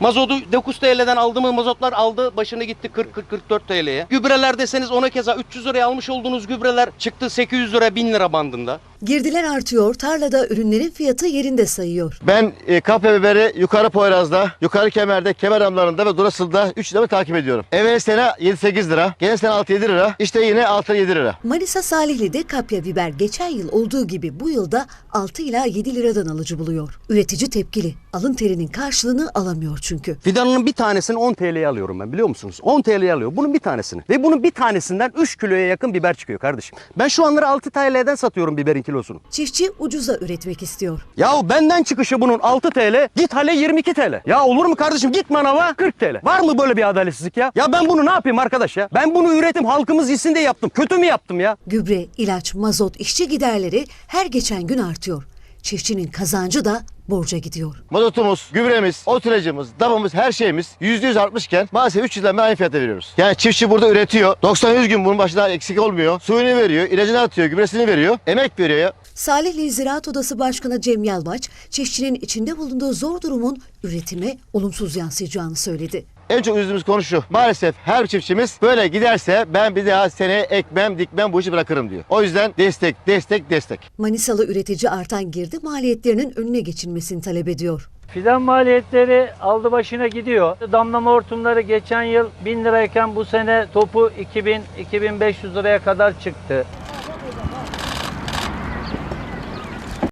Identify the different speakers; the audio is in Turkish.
Speaker 1: Mazotu 9 TL'den aldığımız mazotlar aldı başını gitti 40-44 TL'ye. Gübreler deseniz ona keza 300 liraya almış olduğunuz gübreler çıktı 800 lira 1000 lira bandında.
Speaker 2: Girdiler artıyor, tarlada ürünlerin fiyatı yerinde sayıyor.
Speaker 3: Ben kapya biberi yukarı Poyraz'da, yukarı Kemer'de, Kemer Amları'nda ve Durasıl'da 3 lira takip ediyorum. Evvel sene 7-8 lira, gene sene 6-7 lira, işte yine 6-7 lira.
Speaker 2: Manisa Salihli'de kapya biber geçen yıl olduğu gibi bu yılda 6 ila 7 liradan alıcı buluyor. Üretici tepkili, alın terinin karşılığını alamıyor çünkü.
Speaker 1: Fidanının bir tanesini 10 TL'ye alıyorum ben biliyor musunuz? 10 TL'ye alıyor bunun bir tanesini. Ve bunun bir tanesinden 3 kiloya yakın biber çıkıyor kardeşim. Ben şu anları 6 TL'den satıyorum biberin kilosunu.
Speaker 2: Çiftçi ucuza üretmek istiyor.
Speaker 1: Yahu benden çıkışı bunun 6 TL, git hale 22 TL. Ya olur mu kardeşim git manava 40 TL. Var mı böyle bir adaletsizlik ya? Ya ben bunu ne yapayım arkadaş ya? Ben bunu üretim halkımız yesin diye yaptım. Kötü mü yaptım ya?
Speaker 2: Gübre, ilaç, mazot, işçi giderleri her geçen gün artıyor. Çiftçinin kazancı da borca gidiyor.
Speaker 3: Mazotumuz, gübremiz, ot ilacımız, damımız, her şeyimiz %100 artmışken maalesef 3 yıldan beri aynı fiyata veriyoruz. Yani çiftçi burada üretiyor. 90-100 gün bunun başına eksik olmuyor. Suyunu veriyor, ilacını atıyor, gübresini veriyor, emek veriyor ya.
Speaker 2: Salihli Ziraat Odası Başkanı Cem Yalvaç, çiftçinin içinde bulunduğu zor durumun üretime olumsuz yansıyacağını söyledi.
Speaker 3: En çok üzüldüğümüz konu şu. Maalesef her çiftçimiz böyle giderse ben bir daha seneye ekmem, dikmem bu işi bırakırım diyor. O yüzden destek, destek, destek.
Speaker 2: Manisalı üretici artan girdi maliyetlerinin önüne geçilmesini talep ediyor.
Speaker 4: Fidan maliyetleri aldı başına gidiyor. Damlama hortumları geçen yıl 1000 lirayken bu sene topu 2000-2500 liraya kadar çıktı.